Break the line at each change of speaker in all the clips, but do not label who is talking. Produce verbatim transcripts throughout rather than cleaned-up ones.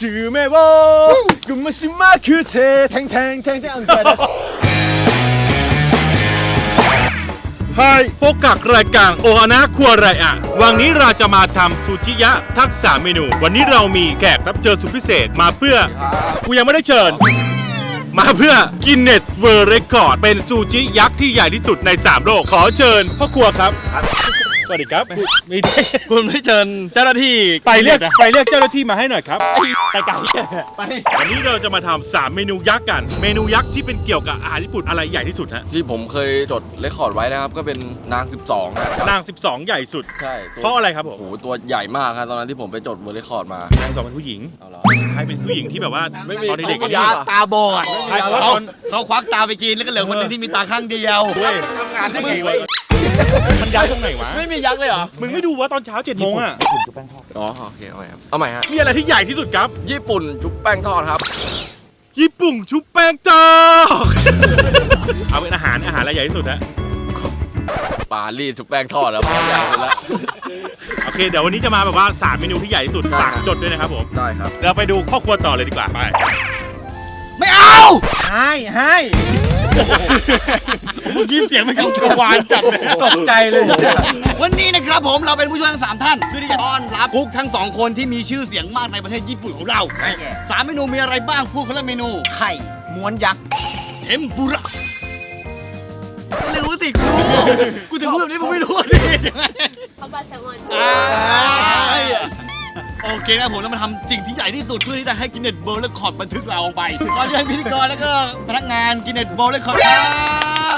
จือแม่วอกุมาชิมาคือเทแทงแทงแทงแทง
ไฮพบกับรายการโอฮานะครัวไรอะวันนี้เราจะมาทำซูชิยะทักษะเมนูวันนี้เรามีแขกรับเชิญสุดพิเศษมาเพื่อกูยังไม่ได้เชิญมาเพื่อกินเนสเวิร์เรคคอร์ดเป็นซูชิยักษ์ที่ใหญ่ที่สุดในสามโลกขอเชิญพ่อครัวครับสวัสดีครับมีคุณไม่เชิญเจ้าหน้าที่ไปเรียกไปเรียกเจ้าหน้าที่มาให้หน่อยครับไปไกลไปวันนี้เราจะมาทำสามเมนูยักษ์กันเมนูยักษ์ที่เป็นเกี่ยวกับอาหารญี่ปุ่นอะไรใหญ่ที่สุดฮะ
ที่ผมเคยจดเรคคอร์ดไว้นะครับก็เป็นนางสิบสอง
นางสิบสองใหญ่สุด
ใช่
เพราะอะไรครับผม
โอ้โหตัวใหญ่มากครับตอนนั้นที่ผมไปจดเรคคอร์ดมาน
างสองเป็นผู้หญิง
เอาเหรอ
ใครเป็นผู้หญิงที่แบบว่าตอนเด็กๆ
ยาตาบอด
เขา
เขาควักตาไปกินแล้วก็เหลือคนนึงที่มีตาข้างเดียว
ทำงานได้ไงวะมันยักษ์ตรงไหนวะ
ไม่มียักษ์เลยเหรอ
มึงไม่ดูว่าตอนเช้าเจ็ดโมงอ่ะ
ญี่ปุ่นชุบแป้งทอดอ๋อโอเคเอาใหม่ครับเอาใหม่ฮะ
มีอะไรที่ใหญ่ที่สุดครับ
ญี่ปุ่นชุบแป้งทอดครับ
ญี่ปุ่นชุบแป้งทอดเอาเป็นอาหารอาหารอะไรใหญ่ที่สุดฮะ
ปลาลีดชุบแป้งทอดแล้วใหญ่สุดแล้ว
โอเคเดี๋ยววันนี้จะมาแบบว่าสามเมนูที่ใหญ่ที่สุดฝากจดด้วยนะครับผม
ได้ครับ
เราไปดูครอบครัวต่อเลยดีกว่าไป
ไม่เอา
ให้ให้
ยินเสียงมันกังวานจัดเลย
ตกใจเลย
วันนี้นะครับผมเราเป็นผู้ช่วยทั้งสามท่านเพื่อที่จะต้อนรับกุ๊กทั้งสองคนที่มีชื่อเสียงมากในประเทศญี่ปุ่นของเราสามเมนูมีอะไรบ้างพูดคนละเมนู
ไข่ม้วนยักษ์
เทมปุระไม่รู้สิกูกูถึงพูดแบบนี้ผมไม่รู้ดิ
ข้าวปลาแซลมอน
โอเคนะผมเรามาทำสิ่งที่ใหญ่ที่สุดเพื่อที่จะให้กินเน็ตเวิร์ลด์เรคคอร์ดบันทึกเราลงไปขอเชิญพิธีกรแล้วก็พนักงานกินเน็ตเวิร์ลด์เรคคอร์ดครับ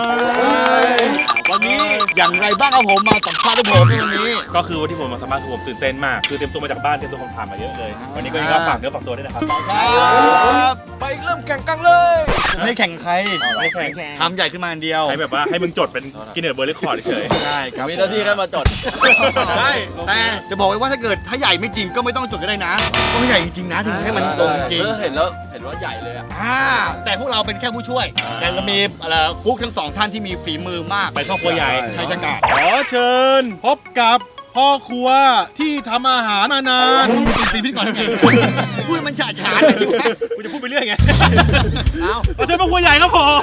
วันนี้อย่างไรบ้างครับผมมาสัมภาษณ์ด้วยผมในวันนี้
ก็คือวันที่ผมมาสัมภาษณ์คือผมตื่นเต้นมากคือเตรียมตัวมาจากบ้านเตรียมตัวคำถามมาเยอะเลยวันนี้ก็ยังฝากเนื้อฝากตัวด้วยนะครับ
ไปเริ่มแข่งกันเลย
ไม่แข่งใคร
ไม่แข่ง
ทำใหญ่ขึ้นมาอันเดียว
ให้แบบว่าให้มึงจดเป็นกินเน็ตเวิร์ลด์เรคคอร์ดเฉย
ใช่ครับ
มีหน้าที่แค่มาจด
ใช่แต่จะบอกไว้ว่าถ้าเกิดถ้าใหญ่ไม่จริงก็ไม่ต้องจดก็ได้นะต้องใหญ่จริงๆนะถึงให้มันตรงจริง
เห็นแล้วเห็นว่าใหญ่เลยอ่ะ
แต่พวกเราเป็นแค่ผู้ช่วยแต่เรามีอะไรกุ๊กทั้งสองท่านที่มีฝีมือมาก
ไปครอบครัวใหญ่
ใช่ใช่ครับ
ขอเชิญพบกับพ่อครัวที่ทำอาหารมานาน
เป็นสิ่งพิธีกรไงพูดมันฉาฉาน
กูจะพูดไปเรื่อยไงเอาขอเชิญพ่อครัวใหญ่ครับผม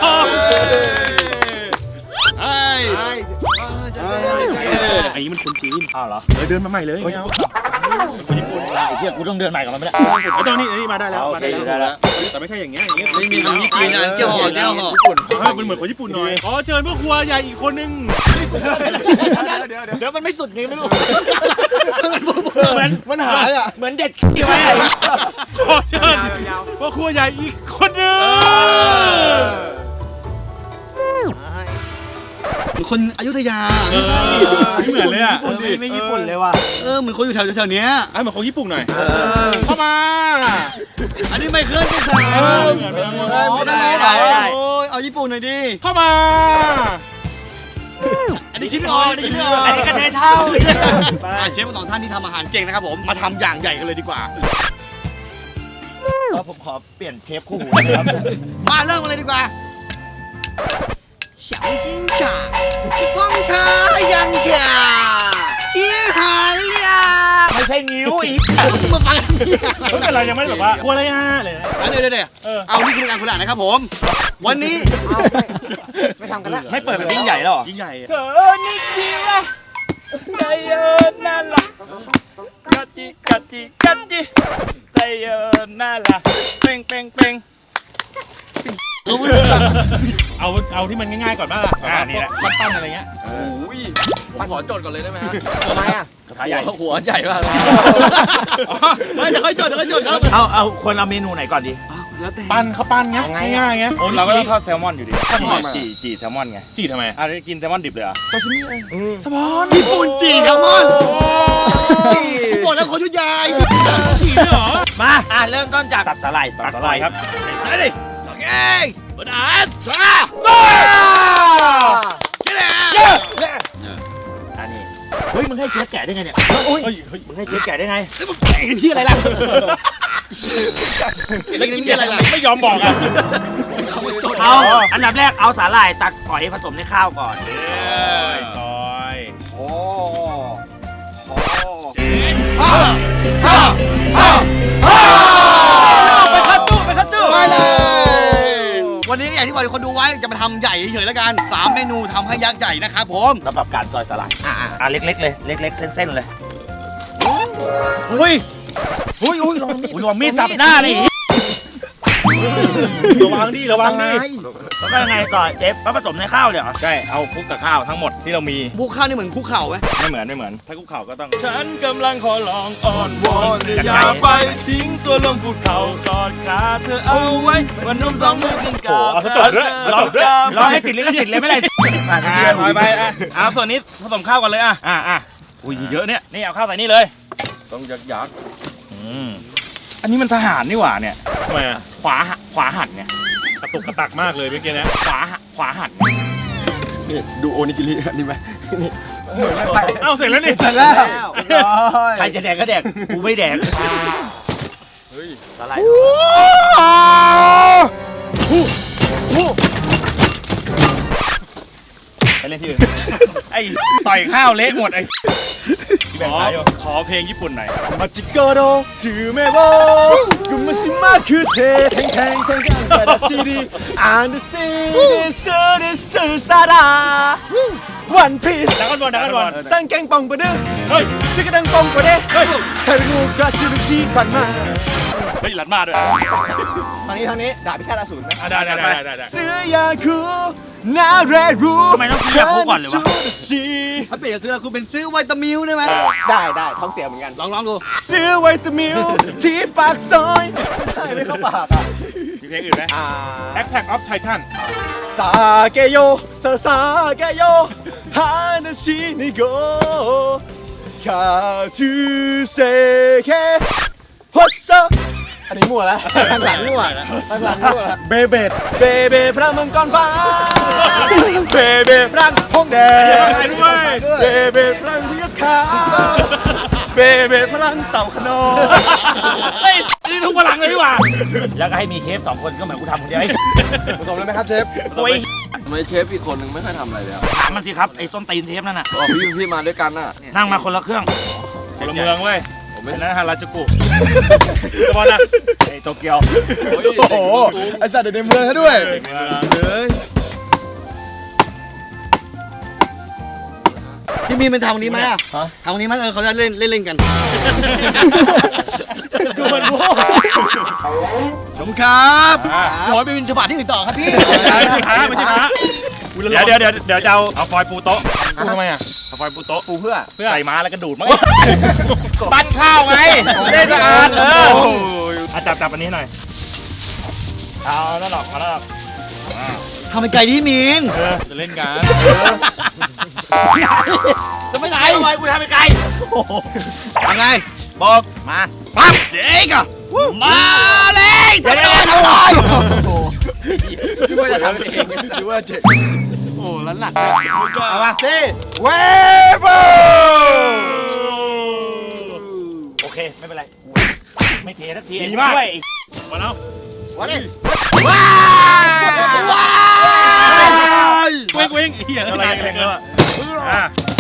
ไอ้
ไอ้นี่มันคนจีนอ้าวเหรอเดินมาใหม่เลยไม่เอาคนญี่ปุ่น
ไอ้เหี้ยกูต้องเดินใหม่กับมันไม่ได้
ไอ้ตอนนี้นี่มาได้แล้วมาได้แล้วแต่ไม่ใช่อย่างเงี้ยอย่างเงี้ย
ไม่มีมันญี่ปุ่นนะเจ้าห่อเจ้าห่อ
ญี่ปุ่นมันเหมือนคนญี่ปุ่นหน่อยขอเชิญพ่อครัวใหญ่อีกคนนึง
เดี๋ยวมันไม่สุดไงไม่รู้
เหมือน
มันหายอ่ะ
เหมือนเด็ดขี้ไว้ขอเชิญพ่อครัวใหญ่อีกคนนึง
เหมือนคนอยุธยา
ไม่เหมือนเลยอ่ะ
ไม่ญี่ปุ่นเลยว่ะ
เออเหมือนคนอยู่แถวแถวเนี้ย
ไอ้เหมือนคนญี่ปุ่นหน่อยเข้ามา
อันนี้ไม่เคยจะใส่ไม่ได้ไม่ได้โอ้ยเอาญี่ปุ่นหน่อยดิ
เข้ามา
อันนี้คิดไม่ออกอันนี้คิดไม่ออก
อันนี้กระเทยเท่า
เชฟสองท่านที่ทำอาหารเก่งนะครับผมมาทำอย่างใหญ่กันเลยดีกว่า
ผมขอเปลี่ยนเชฟคู่หูนะครับ
มาเริ่มกันเลยดีกว่า小金茶方茶ยัง茶西海呀
ไม่ใช่นิ้วอีก
มาฟัง
ไม่เป็นไรยังไม่แบบว่าครัวอะไรอ่ะเลย
เดี๋ยวเดี๋ยวเดี๋ยวเอานี่คือการคุณอ่านนะครับผมวันนี้
ไม่ทำกันละไม่เปิดแบบยิ่งใหญ่หรอ
ยิ่งใหญ่
เธอนี่จริงละใจเย็นนั่นล่ะกัดจิกัดจิกัดจิใจเย็นนั่นล่ะเป่งเป่งเป่ง
เอาเอาที่มันง่ายๆก่อนบ้างอ่านี่แหละปั้นๆอะไรเงี้ย
โอ้ยขอจดก่อนเลยได้ไหมฮะ
ทำไมอ่ะ
ใหญ่หัวใหญ่มาก
ไม่จะค่อยจดจะค่อยจดครับ
เอาเอาควรเอาเมนูไหนก่อนดี
ปั้นเขาปั้นเงี้ยง่ายๆเงี้ย
เราก็ต้องทอดแซลมอนอยู่ดีจีจีแซลมอนไง
จีทำไม
อ่ะกินแซลมอนดิบเลยอ่ะ
ซาซิมิเลยแซลมอน
ญี่ปุ่นจีแซลมอนจีบอกแล้วคนยุทธยา
จีด้วยเหรอ
มาอ่ะเริ่มต้นจากตัดสาหร่าย
ตัดสาหร่ายครับ
ใส่ดิเอ้ยบดาสมาแค่ไหน
อันนี้เฮ้ยมึงให้เชฟแกะได้ไงเนี่ย
โอ้ย
มึงให้เชฟแกะได้ไง
แล้วมึงแกะกันที่อะไรล่ะ
แล้วนี่อะไรล่ะไม่ยอมบอกอ่ะ
เอาอันดับแรกเอาสาหร่ายตักหอยผสมในข้าวก่อน
เอ้ยก่อย
โอ้
ฮ่าฮ่าฮ่าฮ่าที่บอกคนดูไว้จะมาทำใหญ่เฉยๆแล้วกันสามเมนูทำให้ยักษ์ใหญ่นะครับผม
สำหรับการซอยสลัด
อ่ะ
อ่ะเล็กๆเลยเล็กๆเส้นๆเลย
อุ้ย
อุ้ยอุ้ยลองมีดลองมีดสับหน้านี่
ระวังดิระวังดิ
แล้วก็ยังไงต่อเจฟมาผสมในข้าวเลยเหรอ
ใช่เอาคลุกกับข้าวทั้งหมดที่เรามี
บุกข้าวนี่เหมือนคุกเข่าไหม
ไม่เหมือนไม่เหมือนถ้าคุกเข่าก็ต้องฉันกำลังขอลองอ่อนวอนอย่า
ไป
ไปทิ้งตัวลงภูเขากอดขาเธอเอาไว้วันนุ่มต้องมือกินกา
เอาซะจบด้วยเอาจบด้วยรอให้ติดลิขสิทธิ์เลยไม่ไรอ่าถอยไปอ่ะเอาส่วนนี้ผสมข้าวก่อนเลยอ่ะอ่ะอ่ะอุ้ยเยอะเนี่ยนี่เอาข้าวใส่นี่เลย
ต้องยักยักษ์
อืมอันนี้มันทหารนี่หว่าเนี่ย
ทำไมอ่ะ
ขวาหักขวาหันเนี่ย
กระตุกกระตักมากเลยเมื่อกี้นะ
ขวาหักขวาหัน
นี่ดูโอนิกิรินี่ไหม
เอ้าเสร็จแล้วนี่
เสร็จแล้ว
ใครจะแดกก็แดกกูไม่แดก
เฮ้ย
สไลด์ไปเล่นที่อื่นไอ้ต่อยข้าวเละหมดไอ้
ขอขอเพลงญี่ปุ่นหน่อย
มาจิโกโดถือเมโบกุมาซิมาคือเทแทงแทงแทงแทงแต่ละซีดีอ่านดูซีดิซูดิซูซาดาวันพีซ
ดักกันบอลดักกันบอล
สังแกงปองกว่าเด้อ
เฮ้ย
ชิกระดังปองกว่าเด้อเฮ้ยเธอรู้กระชิลุชีปันมา
เฮ้ยหลัดมาด้วย
ทางนี้ทางนี้ดาบพิฆาตอสูรไหม
อ่ะได้ได้ได้ได้ได้
ซื้อยาคูนาเรรูทำไมต้องซื้อยาคูก่อนเลยวะ
ถ้าเปลี่ยนจากซื้อคุณเป็นซื้อไวตามิลได้ไหมได้ได้ท้องเสียเหมือนกันลองลองดู
ซื้อไวตามิลที่ปากซอย
ได้ไม่เข้าปากอ่ะ
มีเพลงอื่นไหม Attack of Titan
สาเกโยซาซาเกโยฮานาชินิโกคาทูเซเคฮอสซา
อันนี้มั่วแล้วทางหลังมั่วทางหลังมั่วแล้ว
เบเบดเบเบพระมังกรฟ้าเบเบพระพงแดงเบเบพระเรียกขาเบเบพลังเต่าขนอง
เฮ้ยนี่ทุกพลังเลยดีกว่า
แล้วก็ให้มีเชฟสองคนก็เหมือนกูทำคนเดียวไอ้
ผสมเลยไหมครับเชฟ
โอ้ย
ทำไมเชฟอีกคนนึงไม่ค่อยทำอะไรเลยอ่ะ
ถามมันสิครับไอ้ส้นตีนเชฟนั่นน่ะ
อ๋อพี่พี่มาด้วยกันน่ะ
นั่งมาคนละเครื่อง
พลเมืองเว้ย
ผมไม่
เป็นนั้นฮาราจูกุจะบอลนะไอ้โตเกียว
โอ้โห
ไอสัตว์เด็กในเมืองเขาด้วย
เมือง
พี่มีนเป็นทำวันนี้ไหมอ่ะทำวันนี้มั้ยเออเขาจะเล่นเล่นเล่นกัน
ดูมันโว้
ชมครับขอไปบินฉบับที่อื่นต่อครับพี่
ไม่ใช่พระไม่ใช่พระเดี๋ยวเดี๋ยวเดี๋ยวเดี๋ยวจะเอาเอาฟอยล์ปูโต๊ะปูทำไมอ่ะเอาฟอยล์ปูโต๊ะ
ปูเพื่อ
เพื่อใส่ม้าแล้วก็ดูดมั้ง
ปั้นข้าวไงเล่นสะอาดเออ
อ่ะจับจับอันนี้หน่อยเอาแล้วหรอกเอาแล้วหรอก
ทำเป็นไก่ที่มีน
เออจะเล่นกัน
จะไม่ไหนทำไมกูทำเป็นไก่
ยังไงบอกมาปั๊บเจ๊กอะมาเลยเดี๋ยวเดี๋ยวเดี๋ยวคิดว่าจะทำเองคิดว่าเจ๊โอ้แล้วหนักเอามาสิเวเบอร์
โอเคไม่เป็นไรไม่เทสักที
ดีมาก
ด้วย
มาแล้ว
วันนี้ว้าว
เว้งเว้งเหี้ยอะไรกันเนี่ยอ่ะ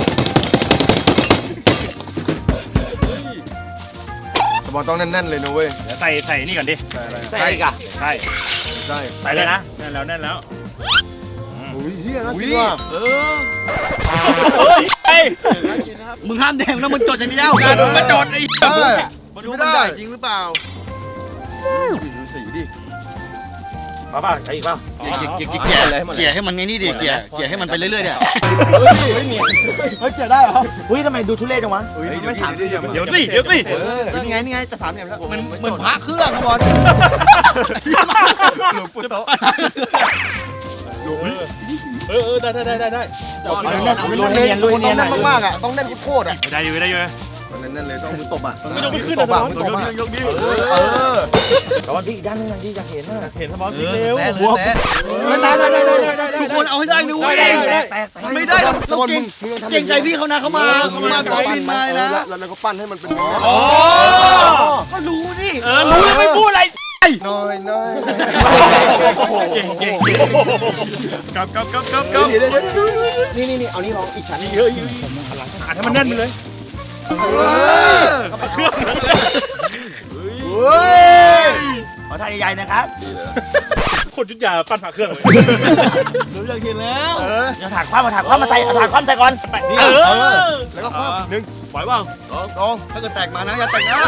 บอลต้องแน่นๆเลยนะเว้ย
เดี๋ยวใส่ใส่นี่ก่อนดิ
ใส่อีกอ่ะ
ใช่
ใช่
ใส่เลยนะ
แน่นแล้วแน่นแล้ว
อุ้ยเฮียน่ากินว่ะ
เฮ้ยไอ้
มึงห้ามแดงแล้วมึงจดอย่างเดียว
การมาจอดไอ้
มาดูมันได้จริงหรือเปล่า
ดูสีดิ
มาป่ะใส่อีกป่ะ
เกี่ยเกี่ย
เก
เกี่
ลี่
ย
ย
อะไรให้มัน
เกลี่ยให้มันไงนี่ดิเกลี่ยเกลี่ยให้มันไปเรื่อยๆเนี่ย
ไม่มี
เฮ้ยเกลี่ยได้เหรอ
อุ้ยทำไมดูทุเรศจังวะ
ไม่สามเหลี่ยม
เดี๋ยวสิเดี๋ยวสิ
นี่ไงนี่ไงจะสามเหลี่ยมแล้วมันเหมือนพระเครื่องครับบอล
หลวงปู่โต
เออเออได้ได้ได้ได้
ลุยเนียนลุยเนียน
มากๆอ่ะต้องแน่นโคตรอ่ะ
ได้อยู่ได้อยู่
แน่นๆเลยต้องมือตบอ่ะ
ไม่ต้องไปขึ้น
ต
นะ
บอ่ะ
ยกยกดิ
เออ
แต่ว่าพี่อีกด้านนึงนะที่อยากเห็นนะ
เห็นสมองสีเร็ว
แน่เลยแน่ได้ได้ได้ทุกคนเอาให้ได้ด้วยไม่ได้เราเก่งเก่งใจพี่เขานะเขามาเขามาขอบินมานะ
แล้วเราก็ปั้นให้มันเป็น
อ๋อก็รู้นี่
เออรู้แล้วไม่พูดอะไร
น้อยน้อย
เก่งเก่งกับกับกับกับกับ
นี่นี่นี่เอานี่ลองอีกชั้น
เยอะเยอะอ่านให้มันแน่นไปเลย เครื่อง
ขอท่าใหญ่ๆนะครับ
คนยุทธยาปั้นผ่าเครื่องเลย
รู้เรื่องทีแล้ว
เออเดี๋ยวถาดคว้ามาถาดคว้ามาใส่เอาถาดคว้าใส่ก่อน
เออ
แล้วก็คว่ำหนึ่ง
ปล่อยบ้าง
สองสองถ้าเกิดแตกมานะอย่าแตกนะ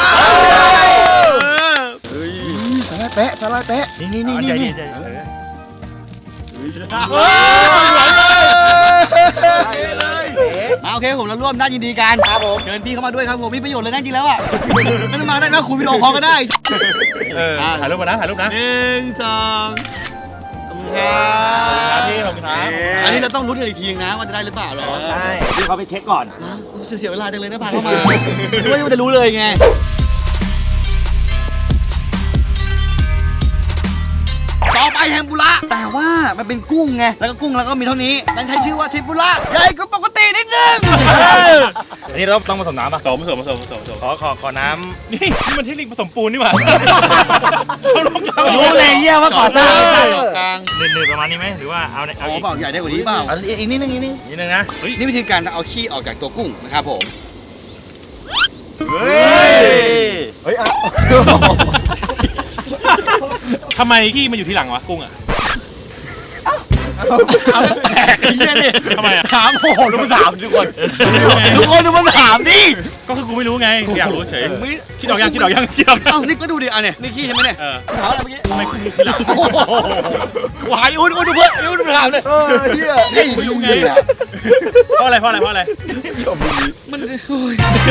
เฮ้ยสไลด์เป๊ะสไลด์เป๊ะนี่นี่นี่นี่นี่มาโอเคผมเราร่วมด้านยินดีกันครับผมเชิญพี่เข้ามาด้วยครับผมมีประโยชน์เลยนะจริงแล้วอ่ะไม่ต้องมาได้นะคุยวิดีโอคอลก็ได้
เออถ่ายรูปมานะถ่ายรูปนะ
หนึ่งสองครับ
พี่ขอบคุณครับ
อันนี้เราต้องลุ้นกันอีกทีนะว่าจะได้หรือเปล่าเหรอ
ใช่พี่เขาไปเช็คก่อน
เสียเวลาจังเลยนะพาเข้ามาไม่ว่าจะรู้เลยไงต่อไปเทมปุระแต่ว่ามันเป็นกุ้งไงแล้วก็กุ้งแล้วก็มีเท่านี้นั่นใช้ชื่อว่าเทมปุระใหญ่กว่าปกตินิดนึง
อันนี้เราต้องผสมน้ำป่ะผสมผสมผสมผสมผสมขอขอขอน้ำนี่นี่มันเทคนิคผสมปูนนี่หว่า
รู้เลยเยี่ยว่าก่อนสร้าง
กลาง
เนื้อๆประมาณนี้ไหมหรือว่าเอาใน
อ๋
เอา
อ
อีก
เปล่าใหญ่ได้กว่านี้เปล่า
เอาอีกนิดนึงอีกนิดนึง
นิดนึงนะเฮ้ย
นี่วิธีการเอาขี้ออกจากตัวกุ้งนะครับผม
เฮ้ยเฮ้ยเอา
ทำไมขี้มันอยู่ที่หลังวะกุ้งอ่ะ
เอาแตกไอ้เหี้ยนี่
ทำไมอ่ะ
ถามโอ้โหดูมันถามทุกคนทุกคนดูมันถามดิ
ก็คือกูไม่รู้ไงอยากรู้เฉย
ไม่
คิดออกยังคิดออกยังคิดออกยัง
เอ้านี่ก็ดูดิอ่ะเนี่ยนี่ขี้ใช่ไหมเนี่ย
เออ
ถามอะไรเมื่อกี้
ทำไมกุ้งอยู่ที่หลัง
โอ้โหหวายอุ้นอุ้นดูเพื่อนอุ้นดูถามเลยเออเหี้ยนี่
ไม่รู้ไงเพราะอะไรเพราะอะไรเพราะอะไร
มันโอ้ย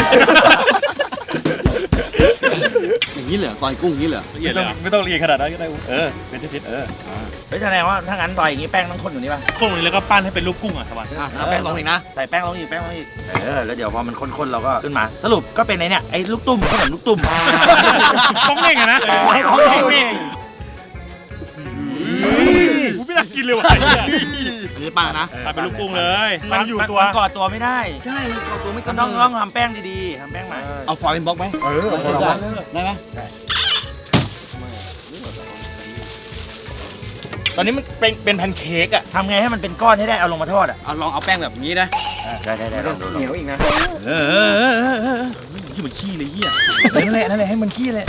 อย่างนี้เหรอซอยกุ้งอย่างนี้เหรอ
ละเอียดเลยไม่ต้องละเอียดขนาดนั้นก็ได้เออเป็นชิ้นๆเออ
เฮ้ยแสดงว่าถ้างั้นต่อยอย่างนี้แป้งต้องข้นอยู่นี่ป่ะ
กุ้งนี้แล้วก็ปั้นให้เป็นรูปกุ้งอ่ะสบาย
อ่ะเอาแป้งลงอีกนะ
ใส่แป้งลงอีกแป้งลงอีกเออแล้วเดี๋ยวพอมันข้นๆเราก็ขึ้นมาสรุปก็เป็นไอ้เนี่ยไอ้ลูกตุ้มขนมลูกตุ้ม
ต้องเน่งอะนะ
ต้องเน่ง
กูไม่น่ากินเลยว่ะ
อันนี้ป้านะ
เป็นลูกกุ้งเลยมันอยู่ตัว
มันกอดตัวไม่ได้
ใช่มันกรอบตัวไม่ก
ก็
ระ
ต้อง
เมื
ต้องทำแป้งดีๆทำแป้งใหม่
เอาฟอยล์เป็นบล็อกไหม
เออ
ได้ไหม
ตอนนี้มันเป็นเป็นแพนเค้กอ่ะ
ทำไงให้มันเป็นก้อนให้ได้เอาลงมาทอดอ่ะ
เอาลองเอาแป้งแบบนี้นะ
ได้ได้ได้ลองดูลอง
เหนี
ดู
ยวอีกนะ
เออเออเออเออเออยี่เหมือนขี้เลยเหี้ย
นั่นแหละนั่นแหละให้มันขี้เลย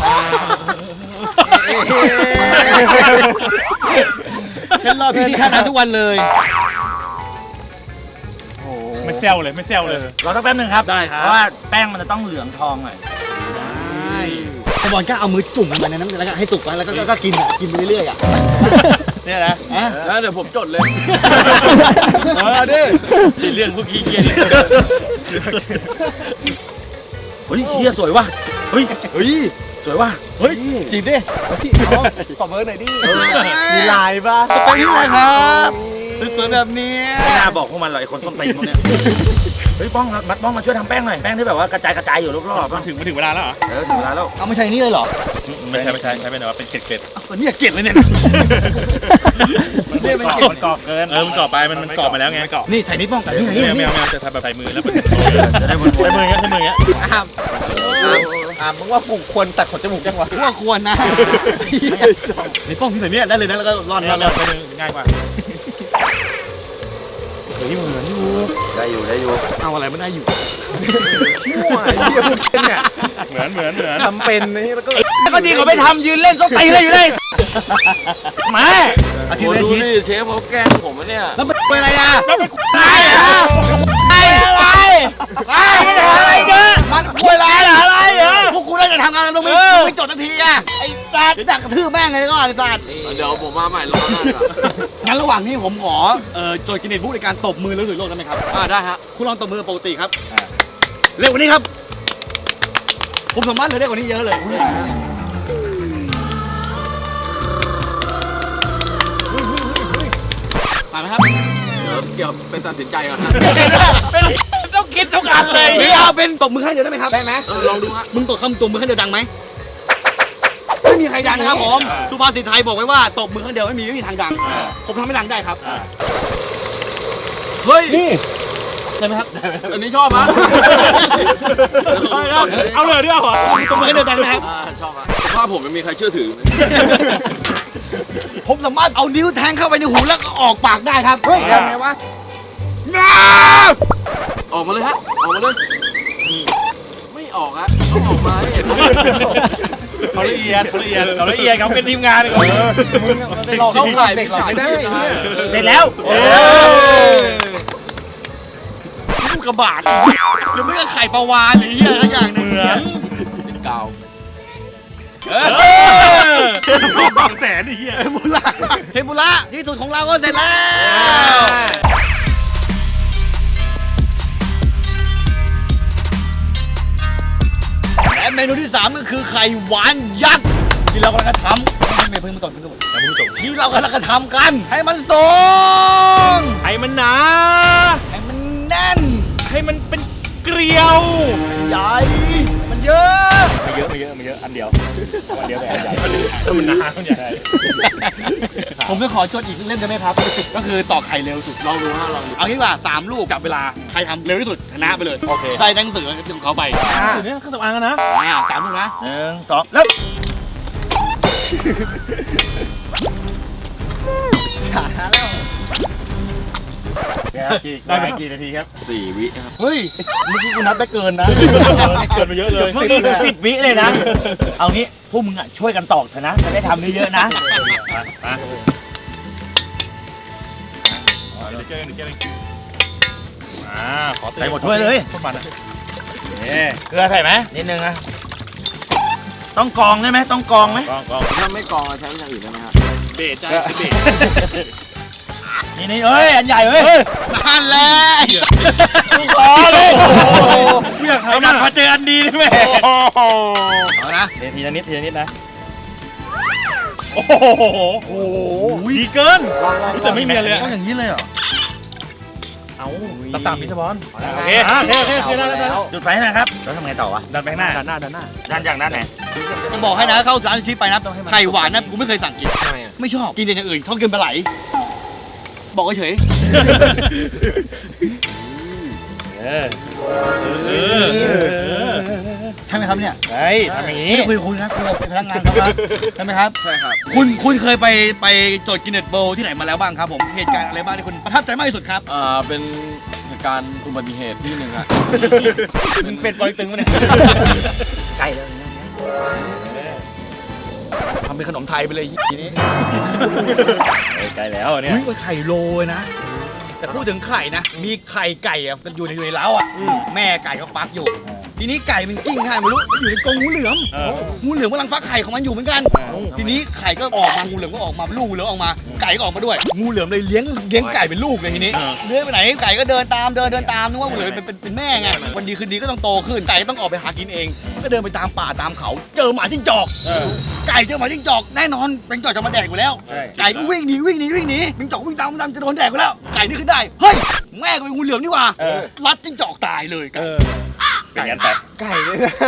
ฉันรอพี่ที่ท่าน้ำทุกวันเลย
ไม่เซลเลยไม่เซลเลย
รอสักแป๊บนึงครับ
ได้ครับ
เพราะว่าแป้งมันจะต้องเหลืองทองหน่อย
ได้สมอนก็เอามือจุ่มลงไปในน้ำแล้วก็ให้สุกแล้วก็ก็กินอ่ะกินไปเรื่อยๆอ่ะ
เนี่ยนะ
อ่ะ
แล้วเดี๋ยวผมจดเลย
เออดิ
นี่เรื่องพวกขี้เกียจ
เฮ้ยเฮียสวยว่ะเฮ้ย
เฮ้ย
สวยว่ะ
เฮ้ยจีบดิขอเบอร์หน่อยดิ
มีลายป่ะ
ไปที่ไหนครับสวยๆแบบนี้
ไม่น่าบอกพวกมันหรอกไอ้คนส้นตีนพวกเนี้ยเฮ้ยป้องมัดป้องมาช่วยทำแป้งหน่อยแป้งที่แบบว่ากระจายกระจายอยู่รอบๆ
มั
ป่ะ
นถึงมันถึงเวลาแล้วเหรอ
เออถึงเวลาแล้ว
เอาไม่ใช่นี่เลยเหรอ
ไม่ใช่ไม่ใช่ใช่เป็นแบบว่าเป็นเกล็ดเกล็ด
เอาเนี่ยเกลียดเลยเนี่ย
มันกรอบมันกรอบเกินเออมันกรอบไปมันมันกรอบมาแล้วไง
นี่ใส่นี่ป้องกันนี่
ไม่
นี่
เอาไม่
นี่
เอาไม่เอาจะทำแบบใส่มือแล้วเป็น
จะได้บน
ใส่มือเงี้ยใส่มือเงี้ย
อ้าม
อ่ามึงว่าปลูกควรตัดขนจมูกยังวะ
ว่าควรนะนี่ป้องที่ใส่เนี่ยได้เลยนะแล้วก็ร่อน
เรา
ร่อน
ใส่มือง่ายกว่าเฮ้ยเหมือนอยู่
ได้อยู่ได้อยู่
เอาอะไรไม่ได้อยู่
มั่วไอ้เหี้ยพวกเป็นเนี่ย
เหมือนเหมือนเหมือน
ทำเป็นนี่แล้วก็ก็ดีกว่าไม่ทำยืนเล่นส้นตีนเลยอยู่ได้มา
อาทิต
โอ้
ย์ละ
ดู
อาทิตย์
นี่เชฟเขาแกล้งผมอะเนี่ย
แล้วเป็นอะไรอ่ะ
แล้วเป็น
ไอ้อะไรอะไรอะไรเนี่ยมันคุยอะไรอะไรเหรอ
พวกคุณน่าจะทำงานลงไม่ไม่จดนาทีอ่ะไอ้สัตว์เดี๋ยวดักกระทืบแม่งเลยก็ไอ้สัตว์
เดี๋ยวผมมาใหม่รอบหน้าดีกว่า
งั้นระหว่างนี้ผมขอเอ่อโจทย์กินเนตพูดในการตบมือแล้วถือโลกได้ไหมครับ
อ่าได้ฮะ
คุณลองตบมือปกติครับเร็วกว่านี้ครับ ผมสามารถเลยได้กว่านี้เยอะเลยผ่านไหมครับ
เดี๋ยวเกี่ยวเป็นตัดสินใจก่อนนะ
ต้องคิดทุกอันเลย
หรือเอาเป็นตบมือข้างเดียวได้ไหมครับได้ไหม
เออลองดูฮะ
มึงตบคำตบมือข้างเดียวดังไหมไม่มีใครดังนะครับผมสุภาษิตไทยบอกไว้ว่าตบมือข้างเดียวไม่มีไม่มีทางดังผมทำให้ดังได้ครับ
เฮ้ย
ได้ไหมครับ
อันนี้ชอบฮะ
เอาเลยดิเอาเหรอ
ตบมือข้างเดียวดังไหมครับ
อ่าชอบฮะผมว่าผมไม่มีใครเชื่อถือ
ผมสามารถเอานิ้วแทงเข้าไปในหูแล้วก็ออกปากได้ครับเฮ้ยยังไงวะ
ออกมาเลยฮะ ออกมาเลย ไม่ออกฮะต้องออกมาให้เห็น
เขาละเอียดเขาละเอียดเขาละเอียดเขาเป็นทีมงานเลย
เข้าข่ายเด็กหลอกไม่ได้
เสร็จแล้ว
ลูกกระบาดหรือไม่ก็ไข่ปลาวานหรือเหี้ยอะไรอย่างหนึง
เหมือน
เป็นกาว
บางแสนไอ้เหี้ย
เทมปุระเทมปุระที่สุดของเราก็เสร็จแล้วและเมนูที่สามก็คือไข่หวานยักษ์ที่เรากำลังจะทำไม่ไม่เพิ่งมาก่อนเพิ่งมาก่อนที่เรากำลังจะทำกัน ให้มันสูง
ให้มันหนา
ให้มันแน่น
ให้มันเป็นเกลียว
ใหญ่มันเยอะ
ไม่เยอะไม่เยอะไม่เยอะอันเดียวอันเดียวแต่อันใหญ่
ถ้ามันหนามันใหญ่
ผมจะขอชวนอีกเล่นได้ไหมครับ ก็คือต่อไข่เร็วสุดลองดูฮะลองดูเอางี้ดีกว่าสามลูกจับเวลาใครทำเร็วที่สุดชนะไปเลยโอเคใส่หนังสือของเขาไป
สุดนี้เครื่องสำอางอะนะ
อ่าสามลูกนะ
หนึ่งสองแล้วช้าแล้วได้ไปกี่นาทีครับ
สี่วิครับ
เฮ้ยเมื่อกี้กูนับได้เกินนะ
เกินไปเยอะเลย
เมื่อกี้กูสิบวิเลยนะ เอางี้พวกมึงอ่ะช่วยกันตอกเถอะนะจะได้ทำเยอะๆนะ
มาเดี๋ยวเจอกันเดี๋ยวเจอกันอ่าขอ
ใส่หมดถ้วยเลย
โคตรมันอะ
เกลือใส่ไหมนิดนึงนะต้องกรองได้ไหมต้องกรองไหม
กองกอง
ถ้าไม่กรองเราใช้อย่างอื่นได้ไหมครับ
เบสจ้าเบส
นี่นี่เอ้ยอันใหญ่เว้ย
นั่นแหละ
รอเลย
เพื่อ
ไอ้
เขา
นั
นะ
ดมาเจออันดีได้ไหม
เอานะ
เดี๋ยวทีละนิดทีละนิดนะ
โอ้โหดีเกินแต่ไม่มีอะไรเลย
ต้องอย่างนี้เลยเหรอ
เอาตามตามพิศบอล
โอเคโอเคโอเคโอเคได้แล้วจุดไฟนะครับแล้วทำไงต่อวะดันไปข้างหน้า
ด้านหน้าด้านหน้า
ดันจากด้านไหน
จะบอกให้นะเข้าร้านที่ไปนะไข่หวานนะกูไม่เคยสั่งกิน
ทำไมอ่ะ
ไม่ชอบกินแต่อย่างอื่นชอบกินปลาไหลบอกเฉย
เออ
เออ
ใช่ไหมครับเนี่ย
เฮ้ยทำอย่างนี้
ไม่ได้คุยกับคุณนะคุยกับเป็นพนักงานเขาครับใช่ไหมครับ
ใช่ครับ
คุณคุณเคยไปไปโจทย์กินเน็ตโบที่ไหนมาแล้วบ้างครับผมเหตุการณ์อะไรบ้างที่คุณประทับใจมากที่สุดครับ
อ่าเป็นเหตุการณ์อุบัติเหตุที่หนึ่งครับ
มึงเป็นบอลตึงวะเนี่ย
ไก่แล้ว
ทำเป็นขนมไทยไปเลยทีนี้
ไก่แล้วเนี่ย
อุ้ยไข่โรยนะ แต่พูดถึงไข่นะ มีไข่ไก่อะอยู่ในอยู่ในเล้าอ่ะแม่ไก่ก็ฟักอยู่ ทีนี้ไก่มันกิ้งให้ไม่รู้อยู่ในกรงงูเหลือม
เออ
งูเหลือมกำลังฟักไข่ของมันอยู่เหมือนกัน ทีนี้ไข่ก็ออกมางูเหลือมก็ออกมาลูกงูเหลือมออกมาไก่ก็ออกมาด้วย งูเหลือมเลยเลี้ยงเลี้ยงไก่เป็นลูกเลยทีนี้เลื้อยไปไหนไก่ก็เดินตามเดินเดินตามนึกว่างูเหลือมเป็นเป็นเป็นแม่ไงวันดีคืนดีก็ต้องโตขึ้นไก่ก็ต้องออกไปหากินเองก็เดินไปตามป่าตามเขา เจอหมาจิ้งจอก
เออ
ไก่เจอหมาจิ้งจอกแน่นอนเป็นจอกจะมาแดกอยู่แล้ว
ใช่
ไก่ก็วิ่งหนีวิ่งหนีวิ่งหนีจิ้งจอกวิ่งตามวิ่งตามจะโดนแดกไปแล้วไก่นี่ขึ้นได้เฮ้ยแม่ก็เป็นงูเหลือมนี่หว่า
เออ
รัดจิ้งจอกตายเลยไก่
เออเป็นยันแต่
ไก่เลยนะ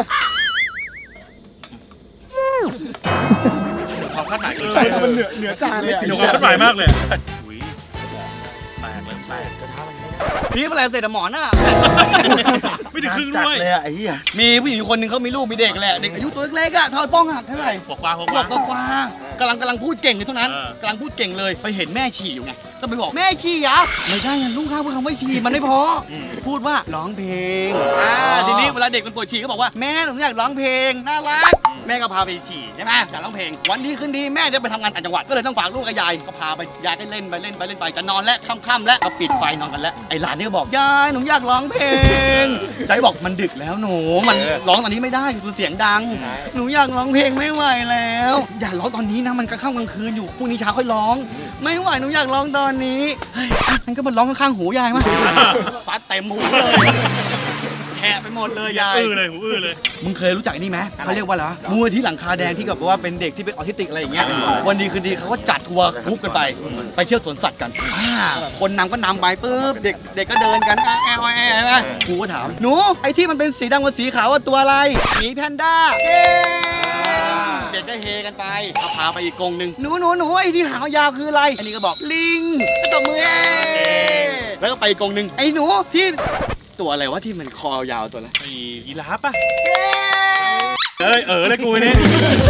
ความคาดหมายเกิน
ไก่
ไป
มันเหนือเหนือจานเลย
หนูคาดหมายมากเลยอุ้ยแตกเลยแตก
พี่เป็นอะไรเสร็จอะหมอหน้า
ไม่ถึงครึ่ง
จัด
ด้วย
เลยอะไอ้เหี้ย
มีผู้หญิงคนหนึ่งเขามีลูกมีเด็กแหละเด็กอายุตัวเล็กๆอะเท่าป้องหักเท่าไหร่
ปกกวางปก
ข
ก
ว
วา
บ
ง
กว่าๆกำลังกำลังพูดเก่งเลยเท่านั้น
เออก
ำลังพูดเก่งเลยไปเห็นแม่ฉี่อยู่ไงก็ไปบอกแม่ฉี่ยะไม่ใช่อะลูกข้าวพูดคำว่าฉี่มันไม่พออพูดว่าร้องเพลงอ่าทีนี้เวลาเด็กมันปวดฉี่ก็บอกว่าแม่หนูอยากร้องเพลงน่ารักแม่ก็พาไปฉี่ใช่ไหมอยากร้องเพลงวันดีคืนดีแม่จะไปทำงานต่างจังหวัดก็เลยต้องฝากลูกกับยายก็พาไปยายก็เล่นไปเล่นไปเล่นไปจะนอนแล้วค่ำๆแล้วก็ปิดไฟนอนกันแล้วไอ้หลานนี่ก็บอกยายหนูอยากร้องเพลงยายบอกมันดึกแล้วหนูมันร้องตอนนี้ไม่ได้คือเสียงดัง หนูอยากร้องเพลงไม่ไหวแล้ว อย่าร้องตอนนี้นะมันกลางค่ำกลางคืนอยู่พรุ่งนี้เช้าค่อยร้อง ไม่ไหวหนูอยากร้องตอนนี้เฮ้ยอ่ะงั้นก็มาร้องข้างๆหูยายมาฟัดเต็มหูเลยแฉะไปหมดเลยยาย
อื้อเลยหูอื้อเลย
มึงเคยรู้จักไอ้นี่ไหมเขาเรียกว่าอะไรวะมูลที่หลังคาแดงที่แบบว่าเป็นเด็กที่เป็นออทิสติกอะไรอย่างเงี้ยวันดีคืนดีเขาก็จัดทัวร์กรุ๊ปกันไปไปเที่ยวสวนสัตว์กันอ่าคนนำก็นำไปปุ๊บเด็กเด็กก็เดินกันแอะแอะแอะแอะครูก็ถามหนูไอ้ที่มันเป็นสีดำกับสีขาวว่าตัวอะไรหมีแพนด้าเย้เด็กก็เฮกันไปเอาพาไปอีกกรงหนึ่งหนูหนูหนูไอ้ที่หางยาวคืออะไรอันนี้ก็บอกลิงก็ตบมือเย้แล้วก็ไปอีกกรงหนึ่งไอ้หนูที่ตัวอะไรวะที่มันคอยาวตัวอะไร
ไอ้ยีราฟป่ะเอ้ยเออเลยกูนี่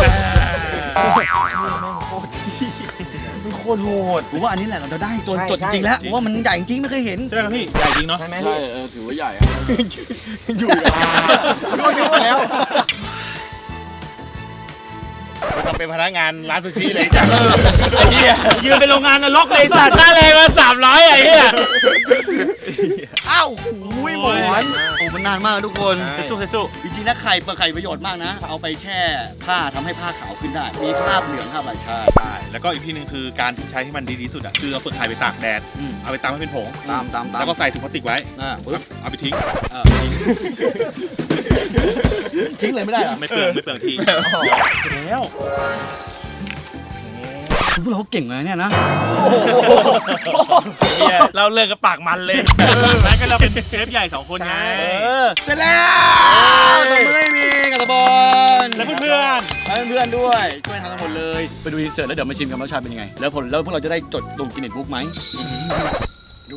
มันโคตรโหด
ผมว่าอันนี้แหละเราจะได้จน
ใช่
จดจริงๆแล้วผมว่ามันใหญ่จริงไม่เคยเห็น
ใช่ไหมครับพี่ใหญ่จริงเนาะ
ใช่ไหม
ใช่เออถือว่าใหญ่อะ
อยู่ก็เยอะแล้ว
ทำเป็นพนักงานร้านซูชิเลยจ้ะ
ไอ้เหี้ยยืนเป็นโรงงานนรกเลยสัตว์
ค่าแรงมาสามร้อยไอ้เหี้ย
อ้าวอุ้ยหมอนโอ้มันนานมากทุกคน
เซซูเซซู
จริงๆนะไข่เปลือกไข่ประโยชน์มากนะ เอาไปแช่ผ้าทำให้ผ้าขาวขึ้นได้ มีคราบเหลืองคราบอะไรใช่
ใช่แล้วก็อีกทีหนึงคือการที่ใช้ให้มันดีที่สุดอ่ะคือเอาเปลือกไข่ไปตากแดด
อืม
เอาไปตำให้เป็นผง
ตามตามตาม
แล้วก็ใส่ถุงพลาสติกไว้
อ่าปึ๊บ
เอาไปทิ้ง
เออทิ้งเลยไม่ได้เหรอ
ไม่เปลืองไม่เปลืองทีแล้ว
พวกเราเก่งเลยเนี่ยนะ
เราเลิกกับปากมันเลยนั่นก็เราเป็นเชฟใหญ่สองคนไง
เสร็จแล้วตบมือให้มีกับตะบอล
แล้วเพื่อน
แล้วเพื่อนๆด้วยช่วยทำกันหมดเลย ไปดูอินเสิร์ตแล้วเดี๋ยวมาชิมกันรสชาติเป็นยังไง แล้วผลแล้วพวกเราจะได้จดลงกินเน็ตบุ๊กไหมดู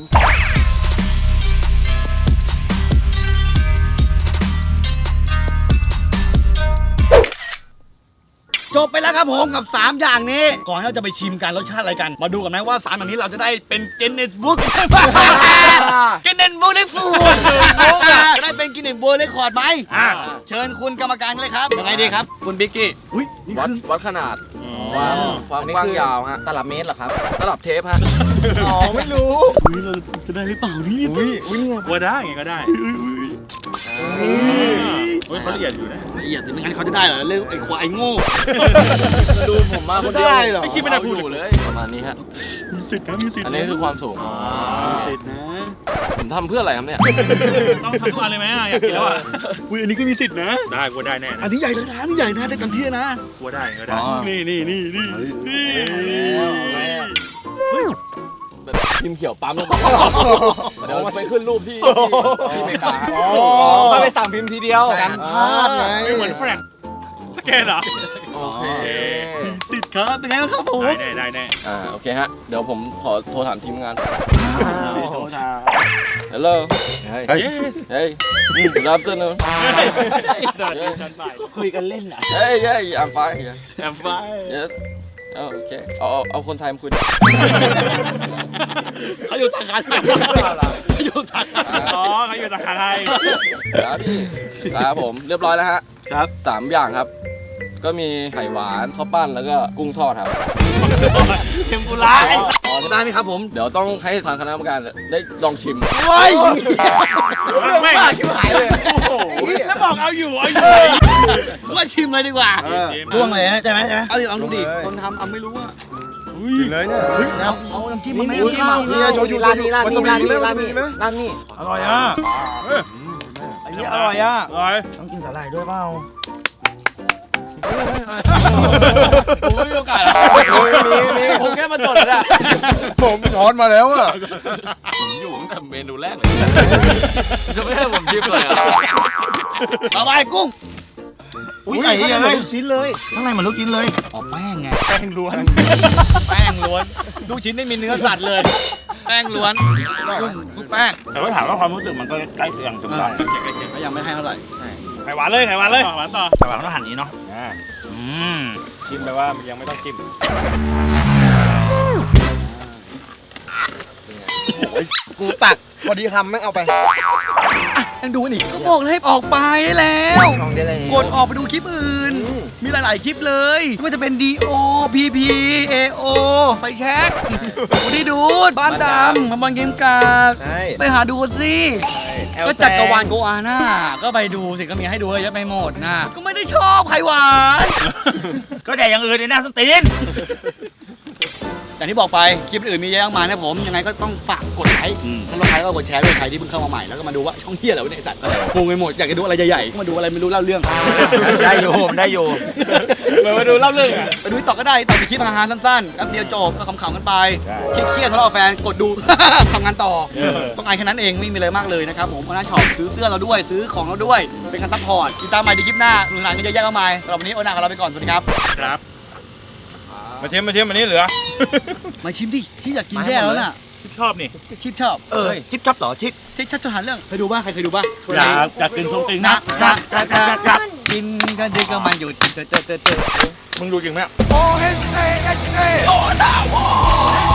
จบไปแล้วครับผมกับสามอย่างนี้ก่อนที่เราจะไปชิมกันรสชาติอะไรกัน มาดูกันไหมว่าสามอย่างนี้เราจะได้เป็นกินเน็ตบุ๊กกินเน็ตบุ๊กได้ฟูดจะได้เป็นกินเน็ตบุ๊กได้คอร์ดไหมอ่าเชิญคุณกรรมการเลยครับยังไงดีครับคุณบิ๊กกี้อุ้ยนี่
วัด
คือ
วัดขนาด
ๆ
ความความกว้างยาวฮะ
ตลับเมตรเหรอครับ
ตลับเทปฮะ
อ๋อไม่รู้
อุ้ยเราจะได้หรือเปล่านี่
อุ้ยอุ้ยนี่ไง
ว่าได้ไงก็ได้เฮ้ยเขาละเอียดอยู่นะ
ละเอียดสิไม่งั้นเขาจะได้เหรอเรื่องไอ้ควายโง่
ดูผมมาคนเดียว
ได้เหรอ
ไม่คิดไม่ได้
เอา
พูด
อยู่เลยประมาณนี้ฮะ
มีสิทธิ์นะมีสิทธิ์
อันนี้คือความสูง
มีสิทธิ์นะ
ผมทำเพื่ออะไรครับเนี่ย
ต้องทำทุกอันเลยไหมอ่ะอยากกินแล้วอ่ะ
อุ้ยอันนี้ก็มีสิทธิ์นะ
ได้กูว่าได้แน่
อั
นะ
นนี้ใหญ่แล้วนะอันนี้ใหญ่นะได้กันเที่ยนะ
กูว่าได้ก็ได้
นี่นี่นี่นี่นี่
แบบพิมพ์เขียวปั๊มลงไปเดี๋ยวไปขึ้นรูปที่ที่อเมริกาฮะ
อ๋อเขาไปสั่งพิมพ์ทีเดียว
ใช่
กันพลาดไง
ไม่เหมือนแฟลกสแกนเหรอ
โอเค
มีสิทธิ์ครับเป็นไงบ้างครับผม
ได้ได้ได้แน่
อ่าโอเคฮะ เดี๋ยวผมขอโทรถามทีมงาน
โทษนะ
Hello
เฮ้ย
Hey Good afternoon
คุยกันเล่นอ่ะ
Hey hey I'm fine yeah.
แอมไฟ
Yes เอาโอเคเอาเอาเอาคนไทยมาคุย
เขาอยู่สาขาไทยเขาอยู่สาขา
อ๋อเขาอยู่สาขาไทย
ครับพี่ครับผมเรียบร้อยแล้วฮะ
ครับ
สามอย่างครับ ก็มีไข่หวานข้าวปั้นแล้วก็กุ้งทอดครับ
เทมปุระ
อ๋อได้ไหมครับผม
เดี๋ยวต้องให้ทางคณะกรรมการได้ลองชิม
เฮ้ย
แม่ง
บ้าชิบหายเลย
โอ้โหแล้วบอกเอาอยู่เอาอยู่
ว่าชิมเลยดีกว่า
เออ
พ่วงเลยใช่ไหมใช่ไหมเอาดิลองดูดิคนทำเอาไม่รู้ว่า
กินเลยเนี่ย
เอาเอาน้ำจิ้มมาไหม
อุ้ย
น้ำจิ้มมา
นี่โชยุร้านนี้ร้านนี้ร้านนี้ร้านนี้ร้านนี้
อร่อยอ่ะ
อันนี้อร่อยอ่ะ
อร่อย
ต้องกินสาหร่ายด้วยเปล่า
ผมไม่มีโอกาสหรอก
มีมี
ผมแค่มาจดนะ
ผมช้อนมาแล้วอ่ะ
ผมอยู่ตั้งแต่เมนูแรกเลย จะไม่ให้ผมชิมเลยเหรอ่ะ
เอาไปกุ้ง
อุ้ยใหญ่ยังไงลูกชิ้นเลย
ข้างในมันลูกชิ้นเลยอ๋อแป้งไง
แป้งล้วน
แป้งล้วนลูกชิ้นไม่มีเนื้อสัตว์เลย แป้งล้วนกุ้งกุ้งแป้ง
แต่ว่าถามว่าความรู้สึกมันก็ใกล้เคียงจนได้
ก็ยังไม่ให้เท่าไหร่
ไข่หวานเลยไข่หวานเลยหวานต่อไข่หวานต้องหั่นนี้เนาะ
อืมชิมไปว่ายังไม่ต้องจิ้ม กูตักพอดีคำไม่เอาไป
ยังดูนี่ก็บอกเลยให้ออกไปแล้ว
ลองได้เลย
กดออกไปดูคลิปอื่น มีหลาย ๆ คลิปเลยไม่ว่าจะเป็น ดี โอ พี พี เอ โอ ไปแช็ควันนี้ดูดบ้านดำมาบอลเกมกาก
ใช่
ไปหาดูสิ ก็จักรวาลโกอาน่าก็ไปดูสิก็มีให้ดูเยอะไปหมดนะก็ไม่ได้ชอบไข่หวาน
ก็แดกอย่างอื่นในหน้าสตีน
อย่างที่บอกไปคลิปอื่นมีเยอะมากมายนะผมยังไงก็ต้องฝากกดไลค์ถ้าเราใครก็กดแชร์ด้วยใครที่เพิ่งเข้ามาใหม่แล้วก็มาดูว่าช่องเที่ยอะไรวะเนี่ยไอ้สัตว์งงไปหมดอยากจะดูอะไรใหญ่ๆก็มาดูอะไรไม่รู้เล่าเรื่อง
ได้อยู่ผมได้อยู่
เหมือนมาดูเล่าเรื่องอ่ะ
ไปดูต่อก็ได้ต่อไปคลิปอาหารสั้นๆแป๊บเดียวจบก็ขำๆกันไปเครียดๆทะเลาะกับแฟนกดดู ทำงานต่อต้องการแค่นั้นเองไม่มีอะไรมากเลยนะครับผมโอน่าช็อปซื้อเสื้อเราด้วยซื้อของเราด้วยเป็นการซัพพอร์ตติดตามใหม่ในคลิปหน้าหนุนหลังกันเยอะแยะมากมายสำหรับวันนี้โอน่าขอลาไปก่อนสวัสดีครับ
ครับมาเทียมมาเทียมอันนี้เหลือ
มาชิมดิที่อยากกินแย่แล้วน่ะ
ชอบนี่
ชิปชอบ
เออชิปชอบเหรอชิป
ชิปชอบทหารเรื่องเคยดูป่ะใครเคยดูป่ะ
อยากอยากกินส้มติง
นะ
นะ
นะนะนะนะกินกันดีก็มันหยุดเจอเจอเจอเจอ
มึงดูจริงไหม
โอ้เฮ้เฮ้เฮ้โอ้ดาว